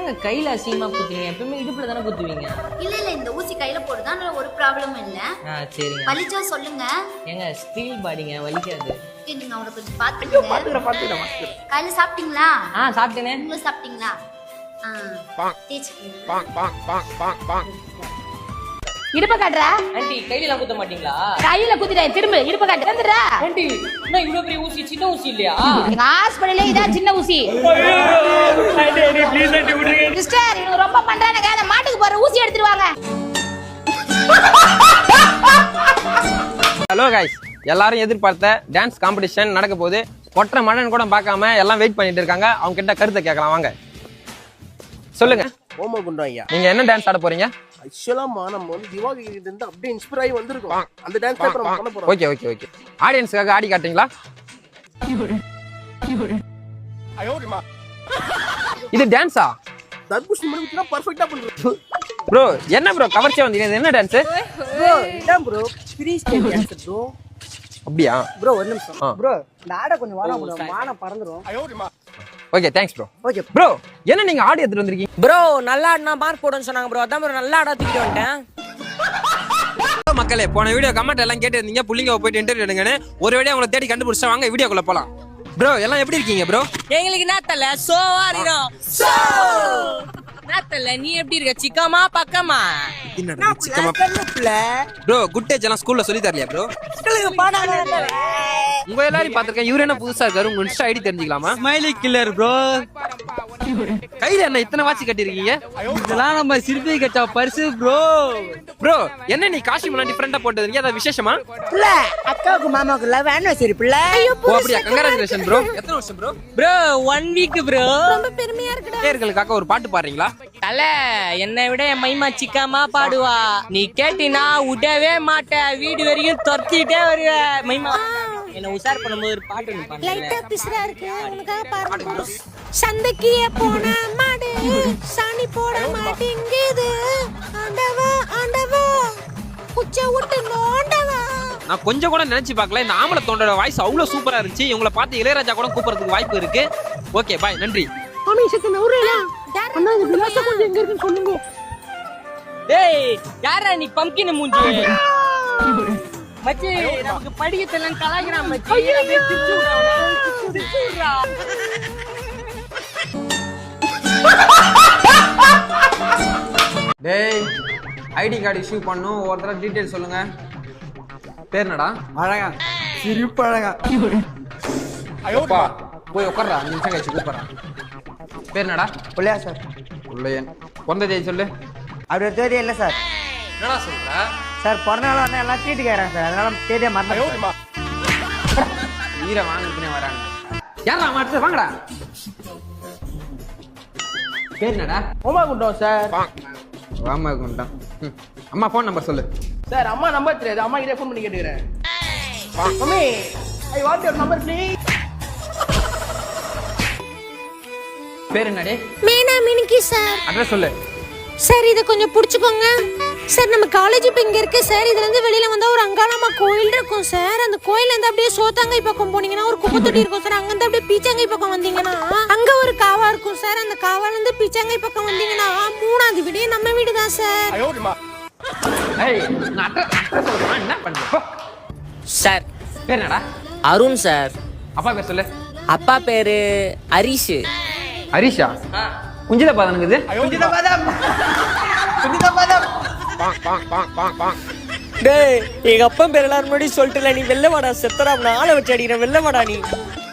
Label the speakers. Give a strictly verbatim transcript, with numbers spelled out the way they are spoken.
Speaker 1: என்னங்க கையில அசிங்கமா குத்துவீங்க? எப்பவுமே இடுப்புல தானே குத்துவீங்க.
Speaker 2: இல்ல இல்ல இந்த ஊசி கையில போடுதான் ஒரு ப்ராப்ளமும் இல்ல.
Speaker 1: ஆ சரிங்க.
Speaker 2: வலிச்சா சொல்லுங்க.
Speaker 1: ஏங்க ஸ்டீல் பாடிங்க வலிக்காது.
Speaker 2: நீங்க அவரை கொஞ்சம் பாத்துக்கங்க.
Speaker 3: பாத்துக்கற பாத்துக்கற பாத்துக்கற.
Speaker 2: கையில சாப்பிட்டீங்களா?
Speaker 1: ஆ சாப்பிட்டேனே.
Speaker 2: நீங்க சாப்பிட்டீங்களா? ஆ
Speaker 3: பாங்
Speaker 2: தேய்ச்சுக்கங்க.
Speaker 3: பாங் பாங் பாங் பாங் பாங்.
Speaker 4: இடுப்ப காட்டுறா?
Speaker 1: ஆண்டி கையில குத்த மாட்டீங்களா?
Speaker 4: கையில குத்திட்டேன், திரும்ப இடுப்ப காட்டு. வந்துடுறா.
Speaker 1: ஆண்டி என்ன இவ்வளவு பெரிய ஊசி, சின்ன ஊசி இல்லையா?
Speaker 4: எங்க ஹாஸ்பிடல்ல இதான் சின்ன ஊசி.
Speaker 3: ஆண்டி ஆண்டி ப்ளீஸ் ஆண்டி விடுங்க.
Speaker 4: சிஸ்டர் இவங்க ரொம்ப பண்றானுங்க. அந்த மாட்டுக்கு போற ஊசி எடுத்துட்டு வாங்க.
Speaker 5: ஹலோ கைஸ், எல்லாரும் எதிர்பார்த்த டான்ஸ் காம்படிஷன் நடக்க போகுது. ஒற்றை மழன் கூட பார்க்காம எல்லாம் வெயிட் பண்ணிட்டு இருக்காங்க. அவங்க கிட்ட கருத்தை கேட்கலாம் வாங்க. சொல்லுங்க,
Speaker 3: ஓம குண்டம் ஐயா.
Speaker 5: நீங்க என்ன டான்ஸ் ஆட போறீங்க?
Speaker 3: ஆக்சுவலா நம்ம வந்து திவாகி கிட்ட இருந்து அப்படியே இன்ஸ்பயர் ஆகி வந்திருக்கோம். அந்த டான்ஸ் தான் நம்ம பண்ண போறோம்.
Speaker 5: Okay okay okay. ஆடியன்ஸ்க்காக ஆடி காட்டுறீங்களா?
Speaker 3: ஐயோடிமா.
Speaker 5: இது டான்ஸா?
Speaker 3: தர்பூஷணி முடிச்சுனா பெர்ஃபெக்ட்டா பண்றோம்.
Speaker 5: ப்ரோ என்ன ப்ரோ கவர்ச்சியா வந்தீங்க? இது என்ன டான்ஸ்?
Speaker 6: ப்ரோ இதான் bro freestyle dance bro.
Speaker 5: அப்படியா
Speaker 6: ப்ரோ ஒரு நிமிஷம் ப்ரோ, இந்த ஆட கொஞ்சம் வாடா ப்ரோ, வானம் பறந்துரும்.
Speaker 3: ஐயோடிமா.
Speaker 5: Okay thanks bro.
Speaker 6: Okay
Speaker 5: bro என்ன நீங்க ஆடி எடுத்துட்டு வந்திருக்கீங்க?
Speaker 7: ப்ரோ நல்லா ஆடினா மார்க் போடுன்னு சொன்னாங்க ப்ரோ. அதான் ப்ரோ நல்லா ஆடா தூக்கிட்டு வந்துட்டேன்.
Speaker 5: மக்களே போன வீடியோ கமெண்ட் எல்லாம் கேட்டு இருந்தீங்க, புள்ளிங்க போயிட்டு இன்டர்வியூ எடுங்கன்னு. ஒரு வீடியோ உங்களை தேடி கண்டுபிடிச்சா வாங்க வீடியோக்குள்ள போலாம். ப்ரோ எல்லாம் எப்படி இருக்கீங்க ப்ரோ?
Speaker 7: எங்களுக்கு என்ன தெரியல, சோவா இருக்கோம். சோ என்ன தெரியல, நீ எப்படி இருக்க? சிக்கமா பக்கமா?
Speaker 5: ப்ரோ குட் டேஜ் எல்லாம் ஸ்கூல்ல சொல்லி தரலையா ப்ரோ? உங்க எல்லாரையும் பாத்திருக்கேன். இவரு என்ன புதுசா இருக்காரு? உங்க இன்ஸ்டா ஐடி தெரிஞ்சுக்கலாமா?
Speaker 8: Smiley killer bro.
Speaker 5: கையில என்ன இத்தனை வாட்சி கட்டிருக்கீங்க?
Speaker 8: இதெல்லாம் நம்ம சிற்பி கட்டா பரிசு ப்ரோ.
Speaker 5: ப்ரோ என்ன நீ காஸ்டியூம் எல்லாம் டிஃபரெண்டா போட்டது? ஏதாவது விசேஷமா?
Speaker 6: பிள்ளை அக்காவுக்கு மாமாவுக்கு லவ் ஆனிவர்சரி பிள்ளை.
Speaker 5: ஓ அப்படியா, கங்க்ராச்சுலேஷன் ப்ரோ. எத்தனை வருஷம் bro?
Speaker 7: Bro one week bro.
Speaker 4: ரொம்ப பெருமையா இருக்குடா.
Speaker 5: பேர்களுக்காக ஒரு பாட்டு பாடுறீங்களா?
Speaker 7: தல என்னை விட என் மைமா சிக்காமா பாடுவா. நீ கேட்டினா விடவே மாட்ட, வீடு வரைக்கும் துரத்திட்டே வருவ மைமா. என்ன உஷார் பண்ணும்போது ஒரு பாட்டு
Speaker 4: லைட்டா பிசுறா இருக்கு. உனக்காக பாருங்க. சந்தைக்கு போன மாடு சாணி போட மாட்டேங்குது. ஆண்டவா ஆண்டவா குச்ச விட்டு நோண்டவா.
Speaker 5: நான் கொஞ்சம் கூட நினைச்சு பார்க்கல, இந்த ஆம்பளை தோண்டோட வாய்ஸ் அவ்வளவு சூப்பரா இருந்துச்சு. இவங்களை பார்த்து இளையராஜா கூட கூப்பிடுறதுக்கு வாய்ப்பு இருக்கு. ஓகே பாய், நன்றி.
Speaker 7: டேய் யாரா நீ பம்கின் மூஞ்சி மச்சி? நமக்கு படிக்கத்தெல்லாம் கலாய்க்கிறான் மச்சி. அப்படியே திச்சு விடுறா, திச்சு விடுறா.
Speaker 5: டேய் ஐடி கார்டு இஷ்யூ பண்ணும். ஒவ்வொருத்தர டீடைல் சொல்லுங்க. பேர் என்னடா?
Speaker 8: அழகா சிரிப்பு அழகா.
Speaker 5: ஐயோப்பா போய் உட்கார்றா, அஞ்சு நிமிஷம் கழிச்சு கூப்பிடுறேன். பேர் என்னடா?
Speaker 6: பிள்ளையா சார்?
Speaker 5: உள்ளயன். பிறந்த தேதி சொல்லு.
Speaker 6: அப்படி ஒரு தேதி இல்லை சார்.
Speaker 5: என்னடா சொல்ற?
Speaker 6: சார் பிறந்த நாள் வந்து எல்லாம் தீட்டு கேட்குறேன் சார், அதனால தேதியை மறந்து.
Speaker 5: ஈர வாங்கிட்டுனே வராங்க. யாரா மாட்டு வாங்கடா. பேர் என்னடா?
Speaker 6: ஓமா குண்டம் சார்.
Speaker 5: வாமா குண்டம். அம்மா ஃபோன் நம்பர் சொல்லு.
Speaker 6: சார் அம்மா நம்பர் தெரியாது, அம்மா கிட்டே ஃபோன் பண்ணி கேட்டுக்கிறேன். Mummy I want your number please.
Speaker 5: பேர் என்னடே?
Speaker 4: மீனா மினிக்கி சார்.
Speaker 5: அட்ரஸ் சொல்லு.
Speaker 4: சார் இதை கொஞ்சம் பிடிச்சிக்கோங்க சார். நம்ம காலேஜ் இப்போ இங்கே இருக்கு சார். இதுல இருந்து வெளியில வந்தா ஒரு அங்காளம்மா கோயில் இருக்கும் சார். அந்த கோயில இருந்து அப்படியே சோத்தாங்கை பக்கம் போனீங்கன்னா ஒரு குப்பை தொட்டி இருக்கும் சார். அங்க இருந்து அப்படியே பீச்சாங்கை பக்கம் வந்தீங்கன்னா அங்க ஒரு காவா இருக்கும் சார். அந்த காவால இருந்து பீச்சாங்கை பக்கம் வந்தீங்கன்னா மூணாவது வீடு நம்ம வீடு தான் சார்.
Speaker 3: ஐயோடிமா.
Speaker 5: ஏய் நான் அட்ரஸ் அட்ரஸ் சொல்றேன், என்ன பண்ற?
Speaker 7: சார்
Speaker 5: பேர் என்னடா?
Speaker 7: அருண் சார்.
Speaker 5: அப்பா பேர் சொல்லு.
Speaker 7: அப்பா பேரு ஹரிஷ்.
Speaker 5: ஹரிஷா? குஞ்சித பாதனுக்குது.
Speaker 6: குஞ்சித பாதம் குஞ்சித பாதம்.
Speaker 3: பாங் பாங் பாங் பாங் பாங்.
Speaker 7: டேய் எங்க அப்பா பேர் எல்லாரும் முன்னாடி சொல்லிட்டுல, நீ வெள்ளவாடா செத்தரா, நான் ஆளை வச்சு அடிக்கிறேன். வெள்ளவாடா நீ.